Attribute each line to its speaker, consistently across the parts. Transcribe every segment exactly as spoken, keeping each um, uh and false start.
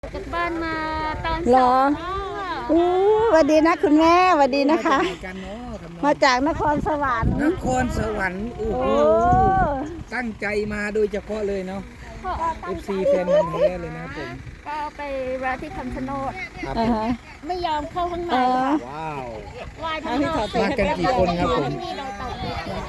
Speaker 1: จากบ้านมาตอน
Speaker 2: เหร
Speaker 1: สอ
Speaker 2: อง อู้สวัสดีนะคุณแม่สวัสดีนะคะ
Speaker 3: กันเนาะทำนอง
Speaker 2: มาจากนครสวรรค์
Speaker 3: นครสวรรค์โอ้
Speaker 2: โอ้
Speaker 3: โหตั้งใจมาโดยเฉพาะเลยเนาะ
Speaker 1: พ่อ
Speaker 3: เอฟซีแฟนมันธุ์แท้เลยนะครับผม
Speaker 1: ก็ไปแวะที่คำชะโนด
Speaker 3: ครับ
Speaker 2: อ่า
Speaker 3: ผม
Speaker 2: ฮะ
Speaker 1: ไม่ยอมเข้าข้างใน
Speaker 2: เออ
Speaker 1: ค่ะ
Speaker 3: ว้าว
Speaker 1: ไหว้ข้างนอก
Speaker 2: มากันกี่
Speaker 3: คนครับผม
Speaker 1: ที่นี่เราตก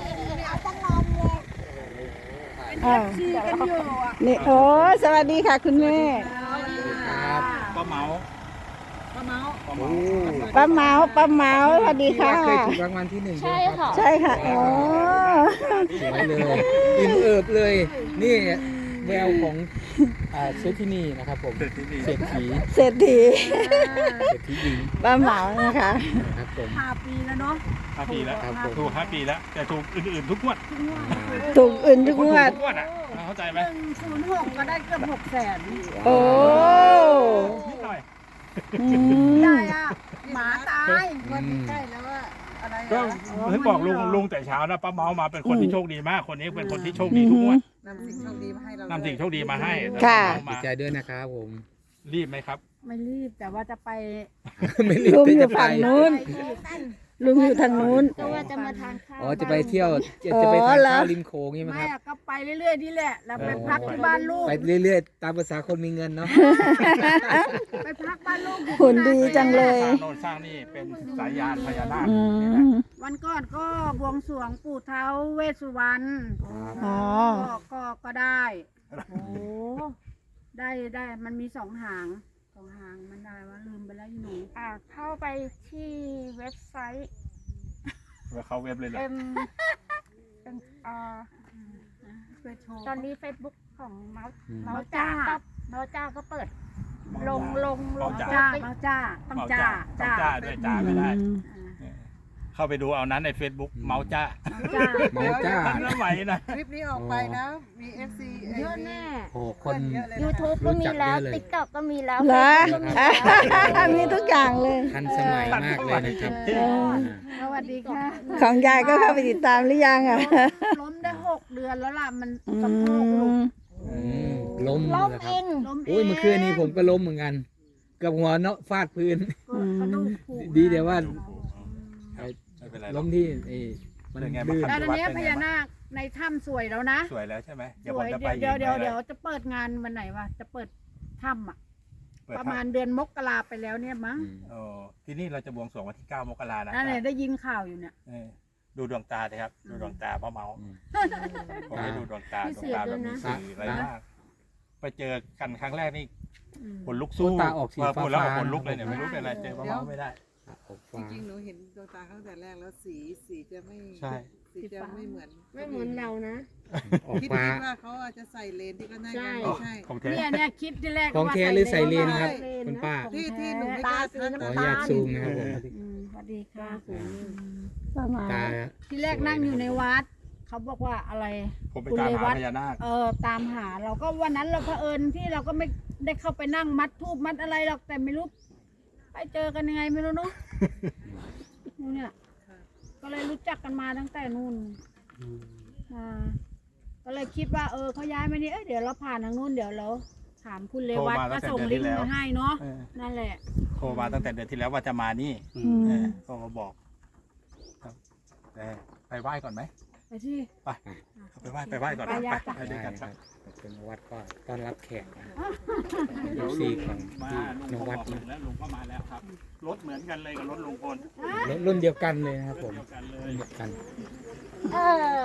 Speaker 2: อ่านี่โอ้สวัสดีค่ะคุณแม่
Speaker 3: ครับ
Speaker 4: ป้าเมา
Speaker 3: โอ้
Speaker 2: ป้าเมาป้าเมาสวัสดีค่ะ
Speaker 3: เคยถูกรางวัลที่หนึ่ง
Speaker 1: ใช่
Speaker 3: ไหมรับ
Speaker 1: ค่ะ
Speaker 2: ใช่ค่ะโอ้
Speaker 3: สวยเลยอิ่มเอิบเลย นี่แววของอ่าเซธินีนะครับผม
Speaker 4: เสร็จที่นี่
Speaker 3: เศรษฐี
Speaker 2: เศรษฐี
Speaker 3: เศรษฐีหญิง
Speaker 2: ป้าเมานะคะ
Speaker 3: นะครับผม
Speaker 4: ห้าปีแล้ว
Speaker 3: ครับผม
Speaker 4: ถูกห้าปีแล้ว แต่ถูกอื่นๆทุกงวด
Speaker 2: ถูกอื่นทุกงวด
Speaker 4: ทุกงวดอ่ะเข้าใจไหม
Speaker 5: ศูนย์หกก็ได้เกือบหกแสน
Speaker 2: โอ้
Speaker 4: นิดหน่อย
Speaker 2: อืม
Speaker 5: ได้อะหมาตาย
Speaker 3: อืม
Speaker 5: ใกล้แล้วว่าอะไร
Speaker 4: ก็
Speaker 5: อะ
Speaker 4: เพิ่งบอกลุงลุงแต่เช้านะป้าเมามาเป็นคนที่โชคดีมาก คนนี้เป็นคนที่โชคดีทุกงวด
Speaker 5: นำสิ่งโชคดีมาให้เรา
Speaker 4: นำสิ่งโชคดีมาให้
Speaker 2: ค่ะ
Speaker 4: ป้าเมา
Speaker 3: ดี
Speaker 4: มา
Speaker 3: ใจด้วยนะครับผม
Speaker 4: รีบไหมครับ
Speaker 5: ไม่รีบแต่ว่าจะไป
Speaker 3: ไม่รีบ
Speaker 2: ลุง
Speaker 3: ที่
Speaker 2: อยู่
Speaker 3: จะไป
Speaker 2: ฝั่งนู้น ลุงอยู่ทางนู้น
Speaker 1: ก็ว่าจะมาทานข้าว
Speaker 3: อ๋อจะไปเที่ยวจะจะไป
Speaker 2: อ๋
Speaker 3: ทา
Speaker 2: อน เหรอ
Speaker 3: ข้าวริมโขงใช่ไหม
Speaker 5: ไม่
Speaker 3: ครับ
Speaker 5: อะก็ไปเรื่อยๆนี่แหละแล้วไปพักที่บ้านลูก
Speaker 3: ไปเรื่อยๆ ตามภาษาคนมีเงินเนาะ
Speaker 5: ไปพักบ้านลูกอยู่
Speaker 2: หุ่นดีจังเลย
Speaker 4: สร้างโน่นสร้างนี่เป็นสายยานพญานาค
Speaker 2: อื
Speaker 4: นี่แหละ
Speaker 2: ม
Speaker 5: วันก่อนก็บวงสรวงปู่เท้าเวสสุวรรณ
Speaker 2: อ๋อ
Speaker 5: ก็ก็ก็ได้โอ้ได้ได้มันมีสองหางสองหางมันได้ว่าลืมไปแล้วอยู่หนู
Speaker 1: อ่าเข้าไปที่เว็บไซต์
Speaker 4: เขาเว็บเลยเหรอ
Speaker 1: เอ็มเป็นอ่า
Speaker 5: ไปโชว์
Speaker 1: ตอนนี้ Facebook ของเมาส์
Speaker 3: อืม
Speaker 1: เมาส์จ้าก็เมาส์จ้าก็เปิด ลงลงลง
Speaker 5: จ้ามาจ้าต้อง
Speaker 4: เอา
Speaker 5: จ้า
Speaker 4: จ้าต้องจ้าด้วยจ้าไม่ได้
Speaker 5: อ่า
Speaker 4: เข้าไปดูเอานั้นใน Facebook เมาจ้า
Speaker 5: จ้า
Speaker 3: เมาจ้า
Speaker 4: ทันสมัยนะ
Speaker 6: คลิปนี้ออกไปนะ มี เอฟ ซี
Speaker 1: เยอะแน่
Speaker 3: โอ้คน
Speaker 6: เยอะเลย
Speaker 1: YouTube ก็มีแล้ว TikTok ก็มีแล้ว
Speaker 2: เหรอ
Speaker 1: Facebook ก็มีแล้ว
Speaker 2: มีทุกอย่างเลย
Speaker 3: ทันสมัยมากเลยนะครับ
Speaker 2: เออ
Speaker 5: สวัสดีค่ะ
Speaker 2: ของยายก็เข้าไปติดตามหรือยังอ่ะ
Speaker 5: ล้มได้หกเดือนแล้วล่ะมัน
Speaker 2: อื
Speaker 5: สะโพกหลุด
Speaker 2: ม
Speaker 3: อืมล้ม
Speaker 1: ล้ม
Speaker 3: นะค
Speaker 1: เอ
Speaker 3: รับ
Speaker 1: ง
Speaker 5: ล้มเอง
Speaker 3: โอ้ยเมื่อคืนนี้ผมก็ล้มเหมือนกันเกับหัวเนาะฟาดพื้น
Speaker 5: กระดูกผุ
Speaker 3: ดีเดี๋ยวว่า
Speaker 4: ไม่เป็นไร
Speaker 3: ล้มที่ไอ้มัน
Speaker 4: เป็นไง
Speaker 3: ลื่น
Speaker 4: บ้าง
Speaker 5: แล้วตอนนี้พญานาคในถ้ำสวยแล้วนะ
Speaker 4: สวยแล้วใช่ไหม
Speaker 5: ส
Speaker 4: เดี๋ยวผ
Speaker 5: ว
Speaker 4: ม
Speaker 5: ย
Speaker 4: จะไป
Speaker 5: เดี๋ยวเดี๋ยว
Speaker 4: อีก
Speaker 5: เดี๋ยว
Speaker 4: ไหม
Speaker 5: เดี๋ยวจะเปิดงานวันไหนวะจะเปิดถ้ำอ่ะ
Speaker 4: เปิด
Speaker 5: ประ
Speaker 4: ทาง
Speaker 5: มาณเดือนมกราไปแล้วเนี่ยมั้ง
Speaker 3: อืม
Speaker 4: โอ้ที่นี่เราจะบวงสรวงวันที่เก้ามกรานะ
Speaker 5: นั่นแหละได้ยินข่าวอยู่เนี่ย
Speaker 4: เออดูดวงตาเลยครับ ดูดวงตาป้าเมา
Speaker 3: อืม
Speaker 4: ผมไปดูดวงตา
Speaker 1: มี
Speaker 4: ดว
Speaker 1: เสี
Speaker 4: ง
Speaker 1: ย
Speaker 4: ตา
Speaker 1: ด้
Speaker 4: แบ
Speaker 1: วย
Speaker 4: บมี
Speaker 1: นะ
Speaker 4: สีอะไรมาก ไปเจอกันครั้งแรกนี่
Speaker 5: อืม
Speaker 4: ขนลุกสู้
Speaker 3: ตาออกสี
Speaker 4: พพูดแล้ว
Speaker 3: ฟ้าๆ
Speaker 4: ขนลุกเลยเนี่ยไม่รู้เป็นอะไรเจอป้าเมาไม่ได้
Speaker 3: ออก
Speaker 6: จ
Speaker 3: ฟ้า
Speaker 6: ริงๆ หนูเห็นดวงตาเขาตั้งแต่แรกแล้วสีสีจะไม่
Speaker 4: ใช่
Speaker 6: สีจะไม่เหมือน
Speaker 1: ไม่เหมือนเรานะ
Speaker 3: ออก
Speaker 6: คิด
Speaker 3: ฟ้า
Speaker 6: คิดว่าเขาอาจจะใส่เลนส์ที่ก็น่า
Speaker 1: ใช่
Speaker 6: จะไม่ใช่
Speaker 4: ของแท้
Speaker 5: เนี่ยเนี่ยคิดที่แรก
Speaker 3: ของ
Speaker 5: ว่า
Speaker 3: แท้หรือใส่เลนครับคุณป้า
Speaker 6: ที่ที่หนูไม่
Speaker 1: ตาก
Speaker 6: ล้า
Speaker 1: สี
Speaker 6: ทัก
Speaker 3: ขออ
Speaker 1: น้ำ
Speaker 3: นุ
Speaker 1: ตา
Speaker 3: ญาต
Speaker 1: ล
Speaker 3: ซูมนะครับผม
Speaker 5: อืมสวัสดีค่ะ
Speaker 2: ประมาณ
Speaker 3: ตา
Speaker 5: ที่แรกนั่งอยู่ในวัด เขาบอกว่าอะไร
Speaker 4: ผมไปตามหาพญานาค
Speaker 5: เออตามหาเราก็วันนั้นเราเผอิญที่เราก็ไม่ได้เข้าไปนั่งมัดทูบมัดอะไรหรอกแต่ไม่รู้ไปเจอกันยังไงไม่รู้เนาะนู่นเนี่ยก็เลยรู้จักกันมาตั้งแต่นู่นมาก็เลยคิดว่าเออเขาย้ายมานี่เอ้ยเดี๋ยวเราผ่านทางนู่นเดี๋ยวเราถามคุณเลวัตก็ส่งลิงก์มาให้เนาะ
Speaker 4: เออ
Speaker 5: นั่นแหละ
Speaker 4: โทรมาตั้งแต่เดือนที่แล้วว่าจะมานี่
Speaker 2: อืม
Speaker 4: เออโทรมาบอกครับเออไปไหว้ก่อนไหม
Speaker 5: ไปที่
Speaker 4: ไปไปไหว้ไปไหว้ก่อน
Speaker 5: ไป
Speaker 4: ไป
Speaker 5: ยาจ้ะ
Speaker 4: ไปด้วยกัน
Speaker 3: ค
Speaker 4: ค
Speaker 3: รั
Speaker 4: รั
Speaker 3: บบ เป็นวัดก็ต้อนรับแขกนะ
Speaker 4: เดี๋ยว
Speaker 3: ซี
Speaker 4: ลุง
Speaker 3: ของ
Speaker 4: มา
Speaker 3: ที่
Speaker 4: ลุง
Speaker 3: น
Speaker 4: ก็บ
Speaker 3: วัด
Speaker 4: อก
Speaker 3: นะ
Speaker 4: แล้วลุงก็มาแล้วครับ รถเหมือนกันเลยกับรถลุงพล
Speaker 3: รุ่นรุ่นเดียวกันเลยนะครับผม
Speaker 4: เดียวกันเล
Speaker 3: รุ่
Speaker 4: ย
Speaker 3: นเดียวกัน
Speaker 5: เออ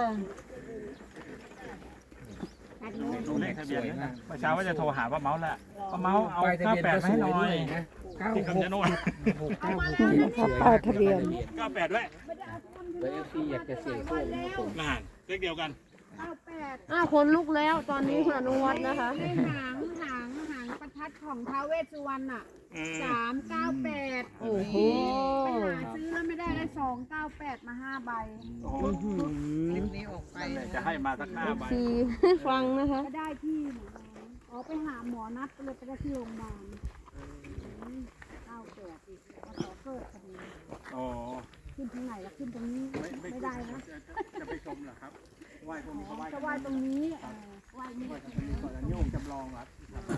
Speaker 4: ดูเลขทะเบียนด้วยนะเมื่อเช้าว่าจะโทรหาป้าเมาส์แหละป้าเมาส์เอา
Speaker 3: ป้ายทะ
Speaker 4: เก้า
Speaker 3: เบียน
Speaker 4: แปด
Speaker 3: ก็
Speaker 4: มา
Speaker 3: ส
Speaker 4: ให้
Speaker 3: ว
Speaker 4: หน่
Speaker 3: ย
Speaker 4: อ
Speaker 3: ด้วย ยนะเก้า
Speaker 4: ที่
Speaker 3: หก
Speaker 4: คำชะโนด
Speaker 3: หกเก้าหกเจ็ดสวย
Speaker 2: ป้ายทะเบียน
Speaker 4: เก้าแปดด้วย
Speaker 3: เบอร์เอฟซีอยากจะเสียโชคนะครับผม
Speaker 4: น่านเลขเดียวกัน
Speaker 5: เก้าแปด
Speaker 1: อ้าวคนลุกแล้วตอนนี้คุณอนุวัฒน์นะคะ
Speaker 5: ได้หางหางหางประทัดของท้าวเวสสุวรรณอ่ะ
Speaker 4: อืม
Speaker 5: สามเก้าแปด
Speaker 1: โอ้โห
Speaker 5: ไปหาซื้อแล้วไม่ได้ได้สองเก้าแปดมาห้าใบ
Speaker 4: โอ้โห
Speaker 6: คลิปนี้ออกไป
Speaker 4: นั่นแหละจะให้มาสักห้าใบ
Speaker 1: สีฟังนะคะ
Speaker 5: ก็ได้ที่หนูอ๋อไปหาหมอนัดก็เลยไปได้ที่โรงพยาบาลเก้าแปดอีกมาขอเกิดคดี
Speaker 4: โอ้
Speaker 5: ขึ้นทางไหนล่ะขึ้นตรงนี้
Speaker 4: ไม่ไม่
Speaker 5: ไม่ได้นะ
Speaker 4: จะจะไปชมเหรอครับไหว้พวกนี้เขาไหว้
Speaker 5: จะไหว้ตรงนี้เออไหว้นี่
Speaker 4: ไหว้ตรงนี้ก่อนแล้วโยมจำลองครับ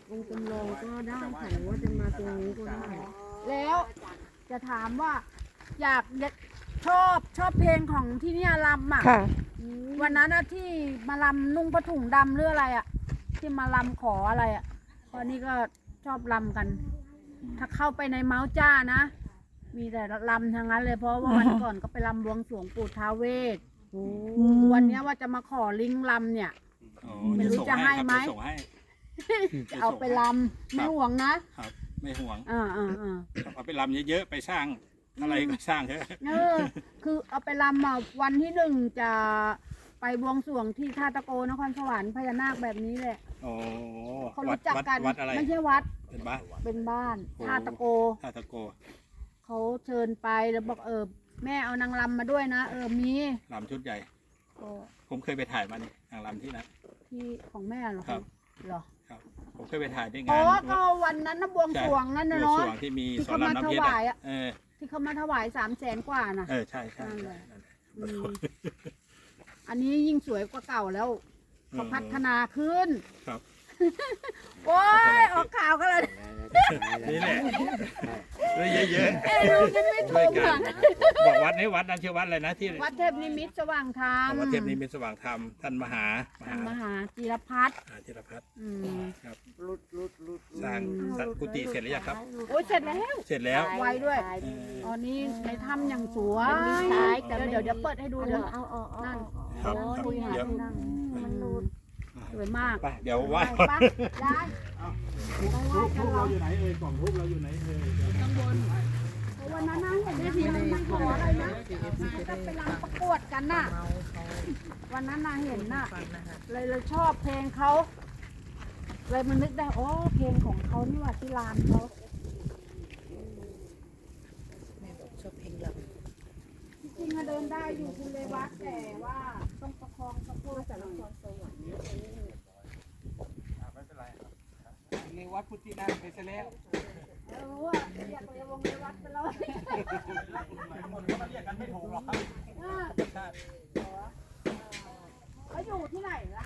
Speaker 7: องค์จำลองก็ได้ค่ะหรือว่าจะมาตรงนี้ก็ได้
Speaker 5: แล้วจะถามว่า อยากชอบชอบเพลงของที่เนี่ยลำอ่ะ
Speaker 2: ค่ะ
Speaker 5: วันนั้นนะที่มาลำนุ่งผ้าถุงดำหรืออะไรอ่ะ ที่มาลำขออะไรอ่ะตอนนี้ก็ชอบลำกัน ถ้าเข้าไปในเมาส์จ้านะ มีแต่ลำทั้งนั้นเลยเพราะว่าวันก่อนก็ไปลำบวงสรวงปู่ท้าวเวสวันเนี้ยว่าจะมาขอลิงลำเนี่ย
Speaker 4: อ๋อ
Speaker 5: ไม่รู้จะให้ไหม
Speaker 4: ส่งให้
Speaker 5: จะเอาไปลำไม่ห่วงนะครับ
Speaker 4: ไม่ห่วง
Speaker 5: อ่าอ่าอ่า
Speaker 4: เอาไปลำเยอะๆไปสร้างอะไรก็สร้างเถอะ
Speaker 5: เออคือเอาไปลำอ่ะวันที่หนึ่งจะไปบวงสรวงที่ท่าตะโกนครสวรรค์พญานาคแบบนี้แหละ
Speaker 4: โอ้
Speaker 5: เขา
Speaker 4: วัด
Speaker 5: รู้จัก
Speaker 4: วัด
Speaker 5: กัน
Speaker 4: วัดอะไร
Speaker 5: ไม่ใช่วัด
Speaker 4: เป็นบ้าน
Speaker 5: เป็นบ้าน
Speaker 4: โอ้
Speaker 5: ท่าตะโก
Speaker 4: ท่าตะโก
Speaker 5: เขาเชิญไปแล้วบอกเออแม่เอานางรำมาด้วยนะเออมี
Speaker 4: ลำชุดใหญ่
Speaker 5: ก็
Speaker 4: ผมเคยไปถ่ายมานี่นางลำที่นั่น
Speaker 5: ที่ของแม่เหรอ
Speaker 4: ครับ
Speaker 5: เหรอ
Speaker 4: ครับผมเคยไปถ่ายที่
Speaker 5: อ๋
Speaker 4: งา
Speaker 5: อน ก็วันนั้นนะบวงสรวงนั่นนะ
Speaker 4: บวง
Speaker 5: เนาะ
Speaker 4: สรวงที่มี
Speaker 5: ที่
Speaker 4: สอน
Speaker 5: เขา
Speaker 4: ราม
Speaker 5: มา
Speaker 4: น้ำเพชร
Speaker 5: ถวาย
Speaker 4: อะ
Speaker 5: อะ
Speaker 4: เออ
Speaker 5: ที่เขามาถวายสามแสนกว่าน่ะ
Speaker 4: เออใช่ใช่
Speaker 5: นั่นแหละ
Speaker 4: นั่นแหละ
Speaker 5: อืมอันนี้ยิ่งสวยกว่าเก่าแล้วเขาพัฒนาขึ้น
Speaker 4: ครับ
Speaker 5: โอ้ยออกข่าวกันเลย
Speaker 4: นี่แหละเลยเยอะ
Speaker 5: เอ้ยลูกยังไม่
Speaker 4: ๆ
Speaker 5: ถู
Speaker 4: ช่วย
Speaker 5: ก
Speaker 4: กัน
Speaker 5: อ่ะ
Speaker 4: บอกวัดนี้วัดนั้นชื่อวัดอะไรนะที่
Speaker 5: วัดเทพนิมิตรสว่างธรรม
Speaker 4: วัดเทพนิมิตรสว่างธรรมท่านมหาม
Speaker 5: ท่านม
Speaker 4: หา
Speaker 5: หาจิรพัฒน์
Speaker 4: อาธิรพัฒน์
Speaker 5: อืม
Speaker 4: ครับสร้างสร้างกุฏิเสร็จหรือยังครับ
Speaker 5: โอ้ยเสร็จแล้ว
Speaker 4: เสร็จแล้ว
Speaker 5: ไวด้วย
Speaker 4: เออ
Speaker 5: ตอนนี้ในถ้ำอย่างสวย
Speaker 1: มันมีซ้ายแต่
Speaker 5: เดี๋ยวเดี๋ยวเดี๋ยวเปิดให้ดูเดี๋ยว
Speaker 1: เอาเอาเอา
Speaker 5: นั่น
Speaker 4: ครับ
Speaker 5: โอ้
Speaker 4: ครับ
Speaker 5: ดูหา
Speaker 4: เดี๋ยว
Speaker 5: ที่นั่งมันนูนสวยมาก
Speaker 4: ไปเดี๋ยวไหว้
Speaker 5: ไปปะได้ไปไหว้กันเหรอ
Speaker 4: อยู่ไหนเอ่ยกล่องทูบเราอยู่ไหนเอ่ย
Speaker 5: วันนั้นนะเห็นได้ทีมันมันขออะไรนะจะไปรำประกวดกันน่ะ วันนั้นน่ะเห็นน่ะ เลยเลยชอบเพลงเขาเลยมันนึกได้โอ้เพลงของเขานี่หว่าที่ลานเขาจริงๆอะเดินได้อยู่คุณเลยวัดแต่ว่าต้องประคองสะโพกแต่ละคนสวรรค์
Speaker 3: ในวัดพุทธินันไปซะแล้ว
Speaker 5: เออว่าเรียกเลยวงเลยวัดไปเลย
Speaker 4: คนก็มาเรียกกันไม่ถูกหรอกครับ
Speaker 5: เออเขาอยู่ที่ไหนล่ะ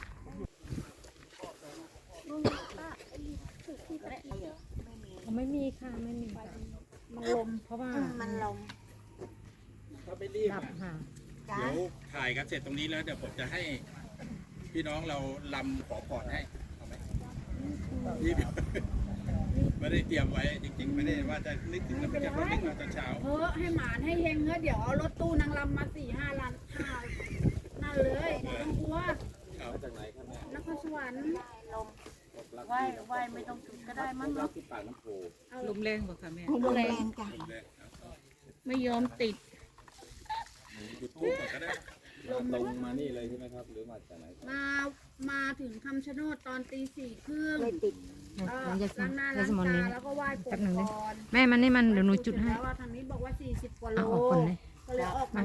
Speaker 7: ไม่มีค่ะไม่มี
Speaker 5: มันลม
Speaker 7: เพราะว่า
Speaker 1: มันลง
Speaker 4: ถ้าไม่รีบ
Speaker 7: ดับ
Speaker 4: อะ
Speaker 7: ค่ะ
Speaker 4: เดี๋ยวถ่ายกันเสร็จตรงนี้แล้วเดี๋ยวผมจะให้พี่น้องเราลำขอพรให้เอาไหมรีบ ไม่ได้เตรียมไว้จริงๆ ไม่ได้ว่าจะนึกถึงแล้วจะนึกมาตอนเช้า
Speaker 5: เออให้หมานให้เฮงเนอะเดี๋ยวเอารถตู้นางรำมาสี่ห้าลันห้านั่นเลยไม่ต้องกลัว
Speaker 4: ครับ
Speaker 5: นครสวรรค์
Speaker 1: ไหวไหวไม่ต้องจุดก็ได้มั้งเนาะ
Speaker 6: ลมแรงบอกค่ะแม่
Speaker 1: ลมแรงจ้ะไม่ยอมติด
Speaker 4: จุดทูบก่อนก็ได้
Speaker 3: ตรงมานี่เลยใช่ไหมครับ หรือมาจากไหน
Speaker 5: มามาถึงคำชะโนดตอนตีสี่ครึ่ง
Speaker 1: ไม่ติด
Speaker 5: เออ
Speaker 7: น้องยาส
Speaker 5: ล้างหน้า
Speaker 7: ลา
Speaker 5: ล้าง
Speaker 7: สมอน
Speaker 5: ตา
Speaker 7: นี้
Speaker 5: แล้วก็ไหว้ปู่
Speaker 7: แป๊บหนึ่งนะ
Speaker 5: ก่อน
Speaker 7: แม่มันนี่มันเดี๋ยวหนูจุดให้
Speaker 5: แล้วว่าทางนี้บอกว่าสี่สิบกว่าโล
Speaker 7: เอาออกก่อนเลย
Speaker 5: ก็เลยออกมา